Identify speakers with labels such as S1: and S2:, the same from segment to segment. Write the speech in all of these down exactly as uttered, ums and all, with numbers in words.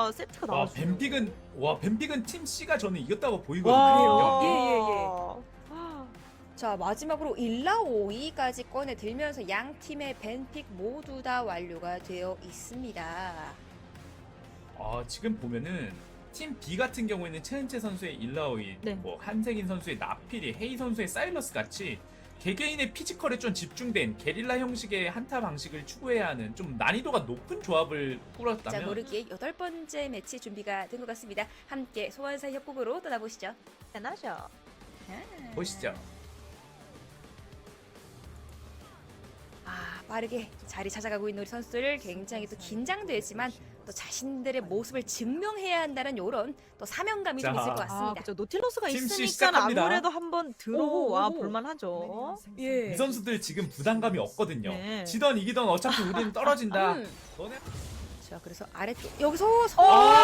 S1: 진짜 세트가
S2: 와
S1: 나왔어요.
S2: 뱀픽은 와 뱀픽은 팀 C가 저는 이겼다고 보이거든요.
S1: 와.
S3: 예예예. 자 마지막으로 일 라 오 위까지 꺼내 들면서 양 팀의 벤픽 모두 다 완료가 되어 있습니다.
S2: 아 지금 보면은 팀 B 같은 경우에는 최은채 선수의 일라오이,
S1: 네.
S2: 뭐 한세긴 선수의 나필이, 헤이 선수의 사일러스 같이 개개인의 피지컬에 좀 집중된 게릴라 형식의 한타 방식을 추구해야 하는 좀 난이도가 높은 조합을
S3: 자
S2: 꾸렸다면
S3: 모르기의 여덟 번째 매치 준비가 된 것 같습니다. 함께 소환사 협곡으로 떠나보시죠.
S1: 대단하죠.
S2: 보시죠.
S3: 아 빠르게 자리 찾아가고 있는 우리 선수들 굉장히 또 긴장되지만 또 자신들의 모습을 증명해야 한다는 이런 또 사명감이 좀
S2: 자.
S3: 있을 것
S1: 아,
S3: 같습니다.
S1: 그렇죠. 노틸러스가
S2: 팀 C
S1: 있으니까
S2: 시작합니다.
S1: 아무래도 한번 들어와
S3: 오오오.
S1: 볼만하죠.
S3: 예.
S2: 이 선수들 지금 부담감이 없거든요.
S1: 네.
S2: 지던 이기던 어차피 우리는 떨어진다.
S3: 음.
S2: 너네
S3: 자 그래서 아래쪽 여기서 서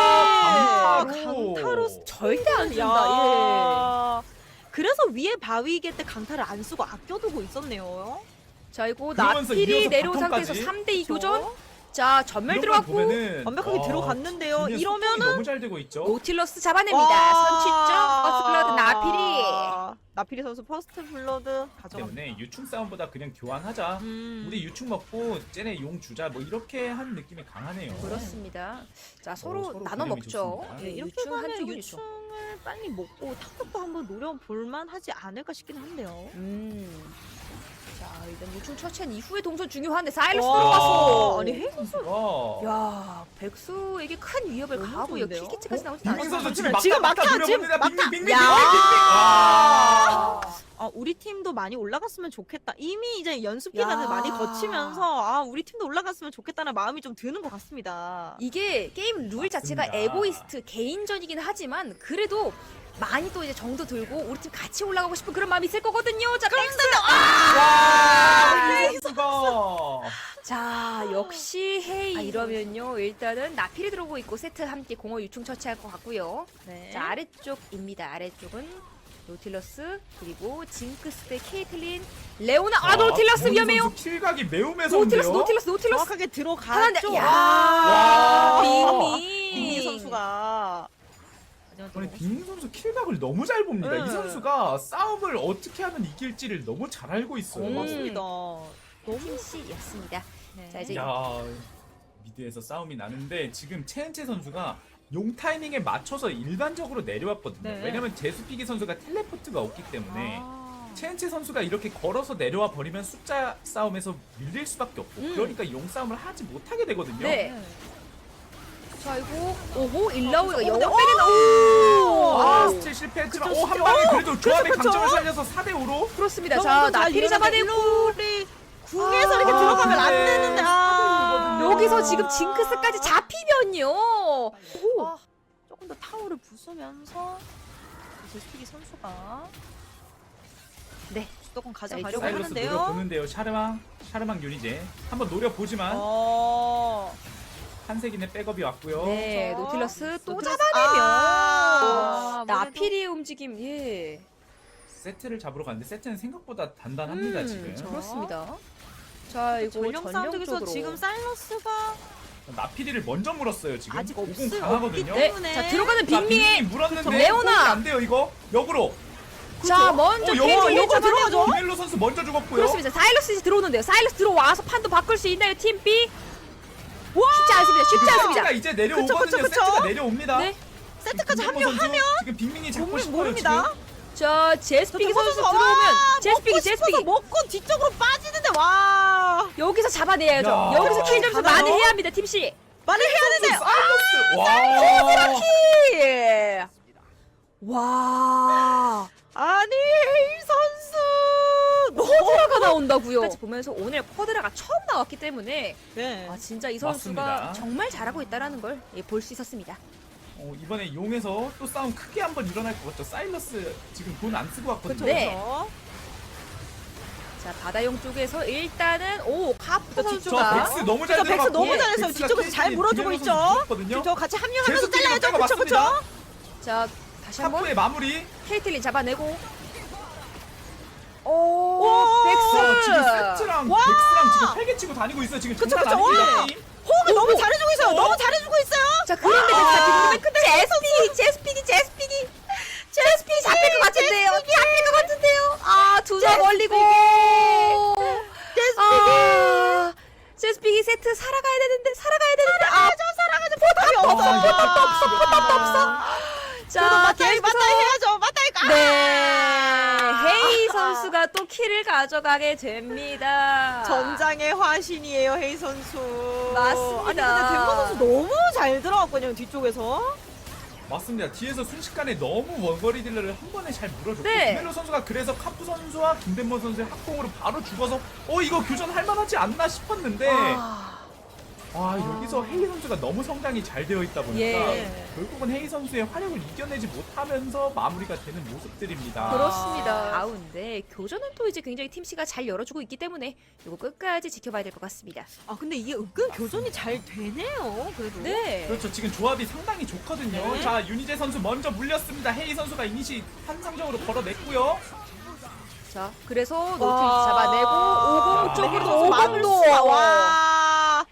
S2: 아,
S1: 강타로.
S2: 강타로.
S3: 절대 안 준다.
S1: 야. 그래서 위에 바위게 때 강타를 안 쓰고 아껴두고 있었네요.
S3: 예. 자 이거
S2: 그러면서
S3: 나필이
S2: 이어서
S3: 내려온
S2: 바텀까지.
S3: 상태에서 삼 대 이
S1: 그렇죠?
S3: 교전. 자 전멸
S2: 이런 걸
S3: 들어갔고
S2: 보면은
S1: 완벽하게
S2: 와,
S1: 들어갔는데요.
S2: 분명
S1: 이러면은
S2: 소통이 너무 잘 되고 있죠.
S3: 노틸러스 잡아냅니다.
S1: 와.
S3: 선취점 퍼스트블러드 나필이.
S1: 나필이 선수 퍼스트 블러드 가져갑니다.
S2: 때문에 유충 싸움보다 그냥 교환하자.
S1: 음.
S2: 우리 유충 먹고 쟤네 용 주자. 뭐 이렇게 한 느낌이 강하네요.
S3: 그렇습니다. 자 서로,
S2: 어, 서로
S3: 나눠
S2: 그림이
S3: 먹죠.
S2: 좋습니다.
S1: 네,
S3: 예,
S1: 이렇게
S3: 유충
S1: 가면
S3: 한쪽은 유충.
S1: 유충을 빨리 먹고 탑급도 한번 노려볼만 하지 않을까 싶긴 한데요.
S3: 음. 자 일단 유충 처치한 이후의 동선 중요한데 사일러스
S1: 와.
S3: 들어가서.
S1: 아니 헤이 선수
S2: 와.
S3: 야 백수에게 큰 위협을
S1: 너무
S3: 가하고요.
S1: 좋은데요?
S3: 킬캐치까지 나오지
S2: 빅민
S3: 않았어요.
S2: 선수 지금
S1: 지금
S2: 막다
S1: 막타,
S2: 막다
S1: 지금
S2: 노려봅니다. 빅민
S1: 막타.
S2: 빅민 빅민
S1: 야.
S2: 빅민. 와.
S1: 아, 우리 팀도 많이 올라갔으면 좋겠다. 이미 이제 연습 기간을
S3: 야.
S1: 많이 거치면서 아, 우리 팀도 올라갔으면 좋겠다는 마음이 좀 드는 것 같습니다.
S3: 이게 게임 룰 자체가
S2: 맞습니다.
S3: 에고이스트 개인전이긴 하지만 그래도 많이 또 이제 정도 들고 우리 팀 같이 올라가고 싶은 그런 마음이 있을 거거든요. 자 백스.
S2: 와. 헤이 선수가.
S3: 자 역시 헤이. 아, 이러면요 일단은 나필이 들어오고 있고 세트 함께 공허 유충 처치할 것 같고요.
S1: 네.
S3: 자 아래쪽입니다. 아래쪽은 노틸러스 그리고 징크스 대 케이틀린 레오나. 아 노틸러스
S2: 빅민
S3: 위험해요.
S2: 선수 킬각이 매우 매서운데요.
S3: 노틸러스 노틸러스 노틸러스.
S1: 정확하게 들어갔죠.
S3: 하나인데 야
S2: 와.
S3: 빅미.
S1: 빅미 선수가
S2: 아니 빅민 선수 킬각을 너무 잘 봅니다.
S1: 네.
S2: 이 선수가 싸움을 어떻게 하면 이길지를 너무 잘 알고 있어요.
S3: 음.
S1: 맞습니다. 너무
S3: 팀씨였습니다.
S1: 네.
S3: 자, 이제
S2: 야 미드에서 싸움이 나는데 지금 최은채 선수가 용 타이밍에 맞춰서 일반적으로 내려왔거든요.
S1: 네.
S2: 왜냐면 제수피기 선수가 텔레포트가 없기 때문에
S1: 아.
S2: 최은채 선수가 이렇게 걸어서 내려와 버리면 숫자 싸움에서 밀릴 수밖에 없고
S3: 음.
S2: 그러니까 용 싸움을 하지 못하게 되거든요.
S3: 네.
S1: 네.
S3: 자 이거 오호 일라오이가
S1: 어,
S3: 영어
S1: 근데-
S3: 빼는 오.
S2: 아 스틸 실패했지만
S1: 그쵸,
S2: 오한
S1: 그쵸.
S2: 방에 그래도 조합의
S1: 그쵸, 그쵸.
S2: 강점을 살려서 사 대 오로
S3: 그렇습니다.
S1: 그런
S3: 자
S1: 것도 잘
S3: 나필이 잡아내고
S1: 일러내- 궁에서
S3: 아,
S1: 이렇게 들어가면 안
S2: 네.
S1: 되는데 아.
S3: 여기서 지금 징크스까지 잡히면요. 오.
S1: 아, 조금 더 타워를 부수면서 제스피기 선수가
S3: 네.
S1: 주도권
S3: 자,
S1: 가져가려고
S3: 이쪽으로
S2: 사일러스
S1: 하는데요.
S2: 노려보는데요. 샤르망 샤르망 유니제 한번 노려보지만
S1: 어.
S2: 한세긴의 백업이 왔고요.
S3: 네
S1: 저-
S3: 노틸러스 또
S1: 노틸러스-
S3: 잡아내면
S1: 아,
S3: 나필이의 움직임 예.
S2: 세트를 잡으러 갔는데 세트는 생각보다 단단합니다
S3: 음,
S2: 지금.
S1: 저-
S3: 그렇습니다. 자 이거
S1: 전령 싸움
S3: 전령
S1: 쪽에서
S3: 쪽으로
S1: 지금 사일러스가
S2: 나피리를 먼저 물었어요 지금.
S1: 아직
S2: 오공
S1: 없을-
S2: 강하거든요.
S1: 없기
S3: 네.
S1: 때문에.
S3: 자 들어가는
S2: 자,
S3: 빅밍의
S2: 빅밍이 물었는데
S3: 레오나!
S2: 호응이 안 돼요 이거. 역으로.
S3: 자 먼저
S2: 어,
S3: 케이틀린
S2: 영어, 영어
S3: 잡아내고
S2: 비멜로 선수 먼저 죽었고요.
S3: 그렇습니다. 사일러스 이제 들어오는데요. 사일러스 들어와서 판도 바꿀 수 있나요 팀 B? 쉽지 않습니다. 쉽지
S2: 세트가
S3: 않습니다.
S2: 이제 내려오거든요.
S1: 그쵸, 그쵸, 그쵸.
S2: 세트가 내려옵니다.
S3: 네.
S1: 세트까지
S2: 김민모 선수
S1: 합류하면
S2: 지금 빅밍이 잡고
S1: 모르-
S2: 싶어요
S1: 모릅니다.
S2: 지금.
S3: 자 제스피기
S1: 저
S3: 선수
S1: 선수가
S3: 들어오면
S1: 와,
S3: 제스피기
S1: 먹고 싶어서
S3: 제스피기
S1: 먹고 뒤쪽으로 빠지는데 와
S3: 여기서 잡아내야죠.
S2: 야.
S3: 여기서 킬 점수
S1: 가나요?
S3: 많이 해야 합니다 팀 C.
S1: 말을 해야 되는데
S2: 사일러스. 와.
S3: 예. 와.
S1: 아니 헤이 선수
S3: 쿼드라가 나온다고요. 까지 보면서 오늘 쿼드라가 처음 나왔기 때문에
S1: 네.
S3: 아 진짜 이 선수가
S2: 맞습니다.
S3: 정말 잘하고 있다라는 걸 볼 수 있었습니다.
S2: 어, 이번에 용에서 또 싸움 크게 한번 일어날 것 같죠. 사일러스 지금 돈 안 쓰고 왔거든요.
S3: 네.
S1: 그쵸?
S3: 자 바다용 쪽에서 일단은 오 카프
S2: 저
S3: 선수가
S2: 백스 너무 잘
S1: 그쵸, 백스
S2: 들어갔고
S1: 너무 잘했어요.
S2: 백스가
S1: 뒤쪽에서 잘
S2: 케이틀린
S1: 물어주고
S2: 비멜로
S1: 있죠.
S2: 선수 죽었거든요.
S1: 저 같이 합류하면서
S2: 제수피기가
S1: 잘라야죠.
S2: 빼고
S1: 그쵸 그쵸?
S2: 맞습니다.
S3: 자 다시 한번
S2: 탑부의 마무리.
S3: 케이틀린 잡아내고 오
S1: 오,
S3: 백스
S2: 지금 세트랑
S1: 와!
S2: 백스랑 지금 팔개 치고 다니고 있어요. 지금
S1: 그쵸,
S2: 장난
S1: 그쵸.
S2: 아닙니다.
S1: 와!
S2: 게임.
S1: 호흡을 너무 잘해주고 있어요. 있어요. 너무 잘해주고 있어요.
S3: 자 그런데
S1: 아,
S3: 자 지금 근데 제스피기 제스피기 제스피기 제스피기 잡힐 것 같은데요. 잡힐 것 같은데요. 아두 점 걸리고.
S1: 제스피기.
S3: 아 제스피기 세트 살아가야 되는데 살아가야 되는데 아
S1: 저 사랑하는 포탑이 없어.
S2: 아,
S1: 포탑도 없어. 포탑도
S3: 없어.
S1: 자,
S3: 자
S1: 맞다이
S3: 계속해서
S1: 맞다이 해야죠. 맞다이 가.
S3: 네 헤이 선수가 또 킬을 가져가게 됩니다.
S1: 전장의 화신이에요, 헤이 선수.
S3: 맞습니다.
S1: 아니 근데 덴버 선수 너무 잘 들어갔거든요, 뒤쪽에서.
S2: 맞습니다. 뒤에서 순식간에 너무 원거리 딜러를 한 번에 잘 물어줬고
S3: 네.
S2: 김멜로 선수가 그래서 카프 선수와 김덴모 선수의 합공으로 바로 죽어서 어 이거 교전할 만하지 않나 싶었는데
S3: 아,
S2: 아 여기서 헤이 선수가 너무 성장이 잘 되어 있다 보니까
S3: 예.
S2: 결국은 헤이 선수의 화력을 이겨내지 못하면서 마무리가 되는 모습들입니다.
S3: 그렇습니다. 가운데 교전은 또 이제 굉장히 팀씨가 잘 열어주고 있기 때문에 이거 끝까지 지켜봐야 될 것 같습니다.
S1: 아 근데 이게 은근 교전이 잘 되네요. 그래도.
S3: 네.
S2: 그렇죠. 지금 조합이 상당히 좋거든요.
S1: 네.
S2: 자 윤희재 선수 먼저 물렸습니다. 헤이 선수가 이니시 환상적으로 걸어냈고요.
S3: 자, 그래서 노트
S1: 와.
S3: 잡아내고 오공
S2: 야.
S3: 쪽으로
S1: 선수 막을
S3: 오공도
S1: 수가. 와.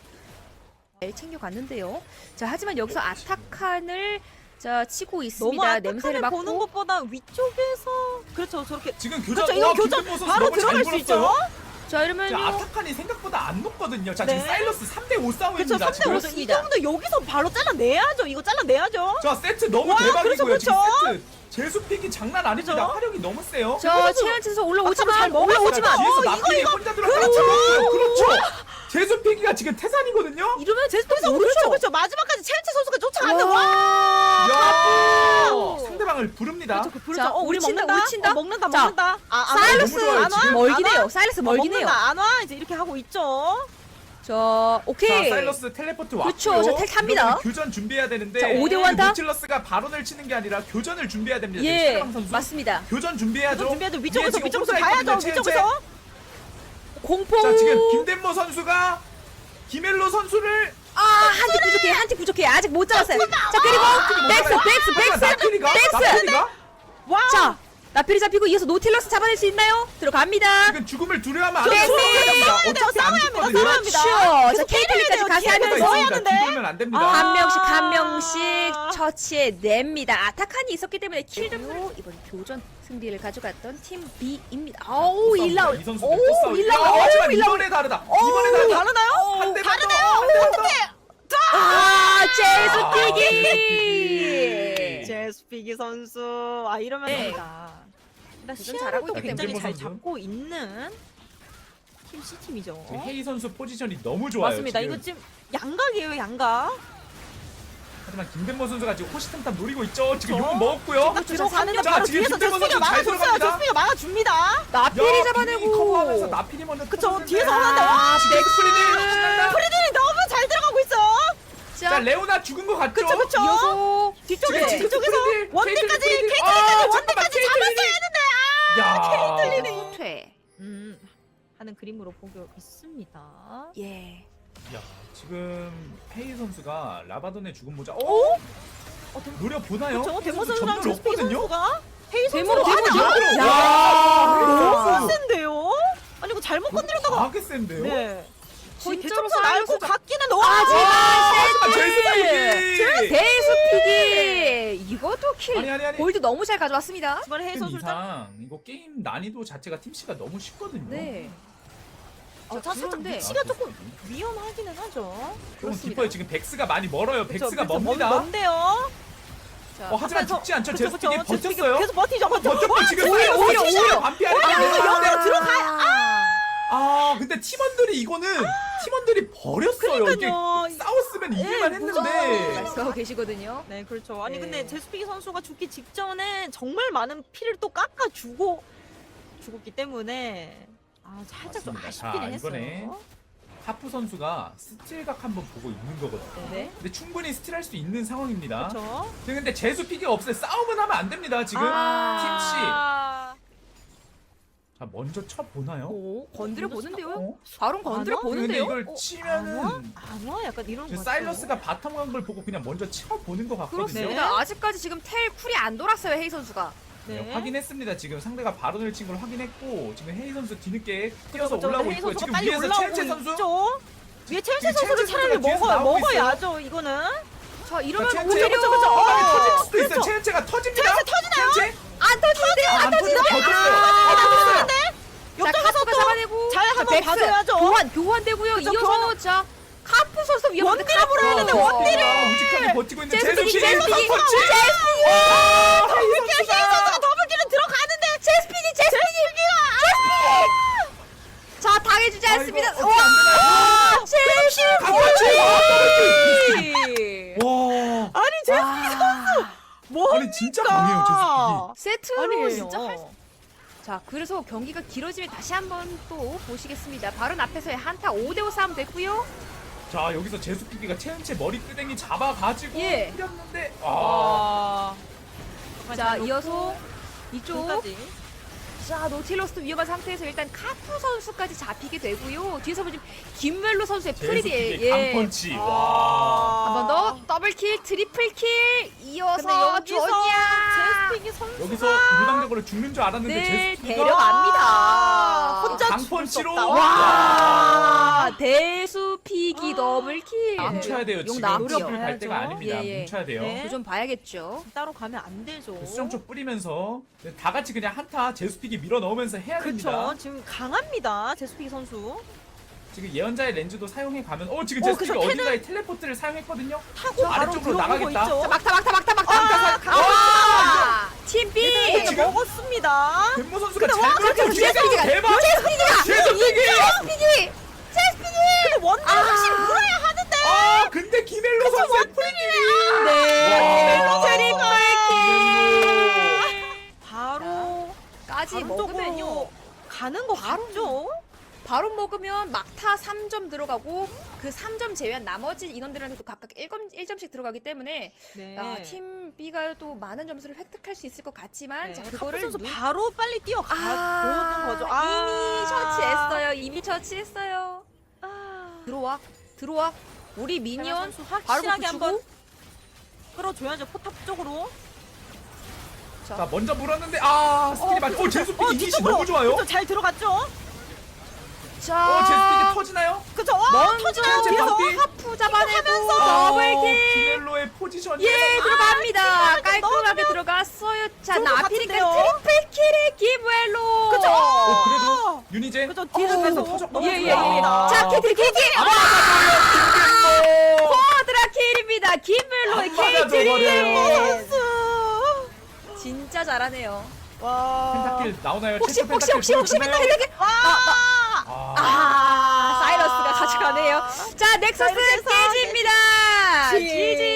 S3: 잘 챙겨갔는데요. 자, 하지만 여기서 아타칸을 자 치고
S1: 너무
S3: 있습니다. 냄새를
S1: 아타칸을
S3: 맡고
S1: 보는 것보다 위쪽에서 그렇죠 저렇게
S2: 지금 교전
S1: 그렇죠 이거
S2: 와,
S1: 교전
S2: 김준모 선수
S1: 바로
S2: 너무 잘
S1: 들어갈 수 있죠.
S2: 물었어요.
S3: 자 이러면
S2: 자, 아타칸이 생각보다 안 높거든요. 자,
S1: 네.
S2: 지금 사일러스 삼 대 오
S1: 그렇죠
S2: 싸움입니다.
S1: 삼 대
S2: 지금.
S1: 오. 이
S3: 그렇습니다.
S1: 정도 여기서 바로 잘라내야죠. 이거 잘라내야죠.
S2: 자, 세트 너무
S1: 와,
S2: 대박이고요.
S1: 그렇죠,
S2: 지금
S1: 그렇죠.
S2: 세트 제수픽이 장난 아닙니다.
S1: 그렇죠.
S2: 화력이 너무 세요.
S3: 저 최현진서 올라오지만
S1: 잘 먹었어요.
S3: 올라오지만
S2: 뒤에서
S1: 어, 이거,
S2: 나필이
S1: 이거.
S2: 혼자 들어가서 그렇죠. 그렇죠. 제수픽이가 지금 태산이거든요.
S3: 이러면
S1: 그래서 그렇죠 그렇죠 마지막까지 첼치 선수가 쫓아가는데
S3: 와.
S1: 와.
S2: 야!
S1: 오.
S2: 상대방을 부릅니다.
S1: 그렇죠, 그 부르죠.
S3: 자,
S1: 어, 우리
S3: 우친다,
S1: 먹는다.
S3: 우친다.
S1: 어, 먹는다,
S3: 자,
S1: 먹는다. 아, 안 와.
S3: 사일러스
S2: 너무 좋아요,
S1: 안 와?
S2: 지금.
S3: 멀긴
S1: 안 와?
S3: 해요. 사일러스
S1: 어,
S3: 멀긴 해요.
S1: 먹는다. 안 와. 이제 이렇게 하고 있죠.
S3: 자,
S2: 자,
S3: 오케이.
S2: 사일러스 텔레포트 왔고요.
S3: 그렇죠. 자, 텔 탑니다.
S2: 이러면 교전 준비해야 되는데
S3: 자, 오 대 오 한타?
S2: 노틸러스가 바론을 치는 게 아니라 교전을 준비해야 됩니다.
S3: 예,
S2: 최강 선수.
S3: 맞습니다.
S2: 교전 준비해야죠.
S1: 좀 준비해도
S2: 위에
S1: 위쪽에서
S2: 지금
S1: 위쪽에서
S2: 홈사이드
S1: 가야죠.
S2: 있거든요, 첸첸.
S1: 위쪽에서.
S3: 공포.
S2: 자, 지금 김덴모 선수가 김엘로 선수를
S3: 아, 한 팀 부족해. 한 팀 부족해. 아직 못 잡았어요. 자, 그리고 백스, 백스, 백스.
S2: 나필이가
S3: 백스.
S2: 나필이가
S1: 와.
S3: 자, 나필이 잡히고 이어서 노틸러스 잡아낼 수 있나요? 들어갑니다.
S2: 지금 죽음을 두려워하면 안
S3: 네,
S2: 돼요.
S3: 네.
S2: 어차피 안
S1: 싸워야 합니다.
S2: 죽거든요.
S1: 싸워야
S3: 그렇죠.
S1: 합니다.
S3: 자,
S1: 계속
S3: 케이틀린까지
S1: 때려야
S3: 가서
S1: 돼요.
S3: 하면서
S1: 계속
S2: 있으니까
S1: 하는데.
S2: 뒤돌면 안 됩니다.
S1: 아.
S3: 한 명씩 한 명씩 처치해냅니다. 아타칸이 있었기 때문에 킬점으로 이번 교전 승리를 가져갔던 팀 B입니다. 어우, 일 라운드.
S2: 이 선수
S3: 오, 일 라운드.
S2: 아, 하지만
S3: 오, 일 라운드.
S2: 이번에 다르다. 이번에 다르다.
S1: 다르나요?
S2: 한 대만 더.
S1: 다르네요.
S2: 한 대만 더.
S3: 아,
S2: 아,
S3: 제수피기.
S1: 제스피기 선수. 아 이러면
S3: 네.
S1: 됩니다. 일단
S3: 도전
S1: 시야를
S3: 잘하고
S1: 또
S3: 있기
S1: 굉장히
S2: 때문에.
S1: 잘
S2: 선수.
S1: 잡고 있는 팀 C 팀이죠.
S2: 지금 헤이 선수 포지션이 너무 좋아요.
S1: 맞습니다.
S2: 지금.
S1: 이거 지금 양각이에요, 양각.
S2: 하지만 김덴모 선수가 지금 호시탐탐 노리고 있죠. 지금
S1: 그렇죠.
S2: 욕 먹었고요.
S1: 딱 들어가는데
S2: 자,
S1: 바로
S2: 지금
S1: 뒤에서
S2: 김대범
S1: 제스피가
S2: 선수 잘
S1: 막아줬어요.
S2: 들어갑니다.
S1: 제스피가 막아줍니다.
S3: 나필이
S2: 야,
S3: 잡아내고.
S2: 커버하면서 나필이 먼저
S1: 그쵸,
S2: 터졌는데.
S1: 뒤에서 하는데, 와,
S2: 넥스프리디 신난다.
S1: 프리딜이 너무 잘 들어가고 있어.
S2: 자,
S3: 자,
S2: 레오나 죽은 거 같죠?
S1: 그쵸, 그쵸.
S3: 이어서
S1: 뒤쪽에,
S2: 지금
S1: 뒤쪽에서
S2: 프리딜,
S1: 원딜까지,
S2: 케이틀린 프리딜.
S1: 케이틀린까지
S2: 아,
S1: 원딜까지
S2: 잠깐만,
S1: 잡았어야 했는데,
S2: 야.
S1: 케이틀린이.
S3: 퇴.
S1: 음, 하는 그림으로 보고 있습니다.
S3: 예.
S2: 야, 지금 헤이 선수가 라바돈의 죽은 모자. 어?
S1: 어, 데-
S2: 노려 보나요?
S1: 그쵸,
S2: 헤이
S1: 데모
S2: 선수
S1: 선수랑
S2: 전멸
S1: 제스피기
S2: 없거든요?
S1: 선수가 헤이
S3: 데모로,
S1: 선수가
S3: 데모로.
S1: 아니,
S3: 야.
S2: 야.
S1: 너무 센데요? 아니, 이거 잘못 건드렸다가.
S2: 과하게 센데요?
S1: 네. 거의
S3: 진짜로
S1: 대청소 날고
S3: 사이언스가-
S1: 같기는 와.
S3: 아, 제발
S2: 제스피기.
S3: 대수피기. 이것도 킬.
S2: 아니, 아니, 아니.
S3: 골드 너무 잘 가져왔습니다.
S1: 이번에 헤이
S2: 그
S1: 선수 딱.
S2: 이상 이거 게임 난이도 자체가 팀씨가 너무 쉽거든요.
S3: 네.
S1: 어, 자, 살짝
S3: 그런데-
S1: 위치가 조금 위험하기는 하죠.
S2: 조금
S3: 그렇습니다.
S2: 깊어요. 지금 백스가 많이 멀어요.
S1: 그쵸,
S2: 백스가
S1: 그쵸,
S2: 멉니다.
S1: 먼- 먼데요.
S3: 자,
S2: 어, 하지만
S1: 앞에서-
S2: 죽지 않죠.
S1: 그쵸,
S2: 제스피기
S1: 그쵸. 제스피기
S2: 버텼어요.
S1: 계속 버티죠. 버텨.
S2: 버텼고 지금
S3: 오히려,
S2: 사이언스
S3: 오히려,
S2: 진짜
S3: 오히려.
S2: 반피하는
S1: 오히려
S2: 게
S1: 여기로
S2: 아니라.
S1: 들어가요.
S2: 아, 근데 팀원들이 이거는 팀원들이 버렸어요.
S1: 그러니까요.
S2: 이게 싸웠으면 이길만
S1: 예,
S2: 했는데.
S3: 말씀하고 계시거든요.
S1: 네, 그렇죠. 아니
S3: 네.
S1: 근데 제스피기 선수가 죽기 직전에 정말 많은 피를 또 깎아 주고 죽었기 때문에 아 살짝 좀
S2: 맞습니다.
S1: 아쉽기는
S2: 자,
S1: 했어요.
S2: 이번에 카프 선수가 스틸각 한번 보고 있는 거거든요.
S1: 네.
S2: 근데 충분히 스틸할 수 있는 상황입니다.
S1: 그렇죠.
S2: 지금 근데 제수 픽이 없어요. 싸움은 하면 안 됩니다. 지금
S1: 아...
S2: 자, 먼저 쳐 보나요?
S3: 오, 건드려 보는데요.
S2: 어?
S3: 바로 건드려
S1: 안 와?
S2: 근데
S3: 보는데요.
S2: 이걸
S1: 어, 안 와?
S2: 치면은
S1: 안 와? 약간 이런
S2: 그
S1: 거
S2: 사일러스가 바텀 간 걸 보고 그냥 먼저 쳐 보는 것 같거든요.
S3: 그렇습니다.
S1: 네.
S3: 아직까지 지금 텔 쿨이 안 돌았어요, 헤이 선수가.
S2: 네,
S1: 네.
S2: 확인했습니다. 지금 상대가 바론을 친 걸 확인했고 지금 헤이 선수 뒤늦게 뛰어서
S1: 그렇죠.
S2: 올라오고
S1: 헤이
S2: 있고요.
S1: 선수가
S2: 지금
S1: 빨리
S2: 위에서
S1: 올라오고
S2: 첼체 선수
S1: 있죠? 위에 첼시
S2: 지금
S1: 선수를
S2: 첼시
S1: 차라리
S2: 선수가 뒤에서
S1: 먹어
S2: 나오고
S1: 먹어야죠 이거는.
S3: 자 이러면
S2: 자,
S3: 오히려
S2: 첸체.
S1: 그쵸, 그쵸.
S2: 어,
S1: 어,
S2: 터질 수도 있어요.
S1: 그렇죠.
S2: 첸체가 터집니다.
S1: 첸체 터지나요?
S2: 첸체?
S3: 안 터지는데요?
S2: 아,
S3: 안
S2: 안 터지네.
S3: 터지는데요?
S2: 터졌어요.
S3: 아,
S2: 어, 터졌어요.
S3: 자
S1: 옆장에서
S3: 카프가
S1: 또
S3: 잡아내고
S1: 잘
S3: 자,
S1: 한번
S3: 백스.
S1: 봐줘야죠.
S3: 교환 교환되고요.
S1: 그쵸,
S3: 이어서
S1: 교환.
S3: 자 카프 선수 위험한데
S1: 원딜을 물어야 되는데 원딜을.
S2: 아, 우직하게 버티고 있는
S3: 제스피기
S2: 제스피기.
S3: 제스피기
S2: 터치.
S3: 제스피기
S2: 와,
S1: 더블킬
S2: 헤이
S1: 헤이 선수가
S2: 선수가.
S1: 더블킬은 들어가는데
S3: 제스피기 제스피기 제스피기 자 당해주지
S2: 아, 이거
S3: 않습니다.
S2: 어떻게 안 되나요?
S3: 와 제스피기
S2: 와,
S1: 아니 제
S3: 와.
S1: 뭐
S2: 아니 진짜 강해요 제스피기.
S3: 세트로
S1: 아니, 진짜 할 수-
S3: 자 그래서 경기가 길어지면 다시 한번 또 보시겠습니다. 바로 앞에서의 한타 오 대 오 싸움 됐고요.
S2: 자 여기서 제수피기가 체은체 머리끄댕이 잡아가지고
S3: 예.
S2: 뿌렸는데 아,
S1: 와.
S3: 자 이어서 이쪽
S1: 까지
S3: 자 노틸러스도 위험한 상태에서 일단 카프 선수까지 잡히게 되고요. 뒤에서 보면 지금 김웰로 선수의 프리디
S2: 제수피기
S3: 예.
S2: 강펀치.
S1: 아.
S2: 와.
S3: 한 번 더 더블킬 트리플킬
S1: 근데
S3: 이어서
S1: 여기서
S3: 조냐
S1: 제스피기 선수가
S2: 여기서 유당적으로 죽는 줄 알았는데
S3: 네
S2: 제수피기가
S3: 데려갑니다.
S1: 혼자
S2: 강펀치로.
S1: 죽을 수 없다.
S3: 와 대수피기 더블킬
S2: 뭉쳐야 돼요.
S3: 용
S2: 지금
S3: 나왔고요.
S2: 노력을 갈 때가
S1: 봐야죠.
S2: 아닙니다.
S3: 예, 예.
S2: 뭉쳐야 돼요.
S1: 네.
S3: 그거 좀 봐야겠죠.
S1: 따로 가면 안 되죠.
S2: 수정 쪽 뿌리면서 다 같이 그냥 한타 제수피기 밀어 넣으면서 해야 됩니다.
S1: 그렇죠. 지금 강합니다. 제스피기 선수.
S2: 지금 예언자의 렌즈도 사용해 가면 어 지금
S1: 어,
S2: 제수피가
S1: 그래서
S2: 어딘가에 텔레포트를 사용했거든요.
S1: 타고 바로
S2: 아래쪽으로
S1: 들어오고
S2: 나가겠다.
S1: 있죠.
S3: 자 막타 막타 막타 막타
S1: 아,
S3: 막타
S1: 강-
S3: 와 팀 B
S1: 얘들
S2: 지금?
S1: 먹었습니다.
S2: 덴모 선수가
S1: 근데
S2: 잘
S1: 와,
S2: 밀었죠.
S3: 그래서
S2: 뒤에서
S3: 제스피기가
S2: 대박.
S3: 제스피기가
S2: 제수피기.
S3: 제스피기 제스피기
S1: 근데 원딜
S3: 아.
S1: 확실히 물어야 하는데.
S2: 아 근데 김엘로 선수의 프리딜이.
S3: 네
S2: 와.
S3: 트리플킬
S1: 바로
S3: 까지
S1: 바로
S3: 먹으면요
S1: 쪽으로 가는 거
S3: 바로
S1: 같죠?
S3: 바로 먹으면 막타 삼 점 들어가고 그 삼 점 제외한 나머지 인원들한테도 각각 일 점씩 들어가기 때문에
S1: 네.
S3: 아, 팀 B가 또 많은 점수를 획득할 수 있을 것 같지만
S1: 네.
S3: 자
S1: 카프
S3: 그거를
S1: 선수
S3: 눈-
S1: 바로 빨리 뛰어가
S3: 아,
S1: 보는 거죠.
S3: 이미 처치했어요. 이미 처치했어요.
S1: 아.
S3: 들어와, 들어와. 우리 미니언
S1: 선수
S3: 바로
S1: 확실하게
S3: 붙이고.
S1: 한번 끌어줘야죠. 포탑 쪽으로.
S2: 자 먼저 물었는데 아 스킬이 맞. 오 제수피기
S1: 어,
S2: 이니시
S1: 뒤쪽으로.
S2: 너무 좋아요.
S1: 그쵸, 잘 들어갔죠?
S3: 자,
S2: 어 제수피기 터지나요?
S1: 그쵸? 와,
S3: 먼저
S1: 터지나요?
S2: 제
S1: 뒤에서?
S2: 방비.
S3: 하프 잡아내고
S2: 아,
S3: 더블킬.
S2: 김엘로의 포지션이.
S3: 예, 들어갑니다.
S1: 아,
S3: 깔끔하게 들어갔어요. 자,
S1: 좋은 것
S3: 나피니까
S1: 같은데요?
S3: 트리플킬의 김웰로.
S1: 그쵸?
S2: 어 그래도 유니제.
S1: 그쵸, 뒤에서
S3: 어,
S1: 계속
S2: 터졌고.
S3: 예, 예, 예.
S2: 아.
S3: 자, 키트, 키트.
S2: 아, 김엘로.
S3: 쿼드라 킬입니다. 김웰로의
S2: 안 맞아줘 버려요.
S3: 케이트리.
S1: 선수.
S3: 진짜 잘하네요.
S1: 와.
S2: 펜타킬 나오나요?
S3: 혹시
S2: 최초
S3: 혹시
S2: 펜타킬
S3: 혹시 혹시
S2: 보여주나요?
S3: 맨날 이렇게
S1: 와.
S2: 아,
S3: 아, 사이러스가 가져가네요. 자, 넥서스
S1: 사이러스에서
S3: 깨집니다.
S1: 지지.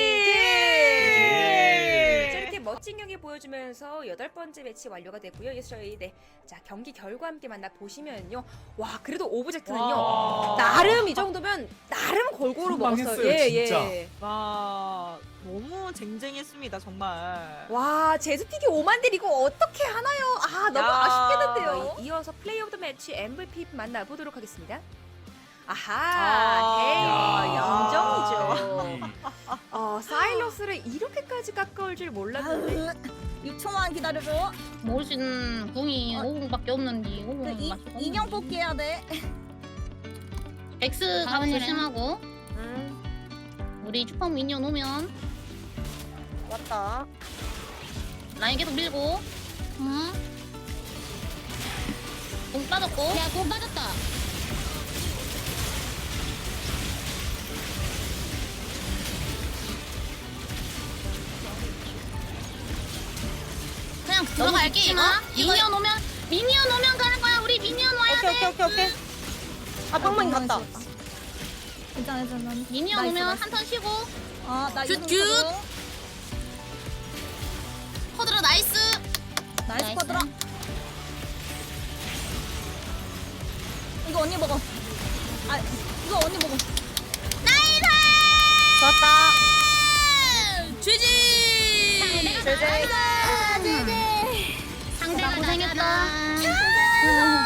S3: 지지. 자, 이렇게 멋진 경기 보여주면서 여덟 번째 매치 완료가 됐고요. 이제 저희 네, 자 경기 결과 함께 만나 보시면요. 와, 그래도 오브젝트는요.
S2: 와.
S3: 나름 이 정도면 나름 골고루 먹었어요.
S2: 선방했어요, 진짜.
S1: 와, 너무 쟁쟁했습니다, 정말.
S3: 와, 제수피기 오만 딜 이거 어떻게 하나요? 아, 너무
S1: 야.
S3: 아쉽겠는데요. 이어서 플레이 오브 더 매치 엠브이피 만나보도록 하겠습니다. 아하,
S1: 아.
S3: 헤이,
S1: 야.
S3: 인정이죠. 어, 사일러스를 이렇게까지 깎아올 줄 몰랐는데.
S4: 육 초만 기다려줘.
S5: 모신 궁이
S4: 어.
S5: 오 분밖에 없는데 오
S4: 그
S5: 분
S4: 이,
S5: 맞추고
S4: 인형 뽑기 해야 돼.
S5: 엑스
S4: 아,
S5: 가면
S4: 그래?
S5: 조심하고
S3: 음,
S5: 우리 슈퍼 미니언 오면
S1: 왔다.
S5: 라인 계속 밀고 응? 공 빠졌고 야공 빠졌다 그냥 들어갈게 이거 미니언 오면 미니언 오면 가는 거야 우리 미니언 와야
S1: 오케이,
S5: 돼
S1: 오케이, 오케이, 오케이. 아, 뻥망이 갔다.
S4: 괜찮아, 괜찮아.
S5: 미니언
S4: 나이스,
S5: 오면
S4: 나이스.
S5: 한 턴 쉬고
S4: 아, 나
S5: 굿,
S4: 이거
S5: 굿. 코드라 나이스
S4: 나이스
S5: 나이스.
S4: 쿼드라. 이거 언니 먹어. 아, 이거 언니 먹어.
S5: 나이스
S1: 좋았다.
S5: GG
S4: 제제.
S5: 상대가 고생했다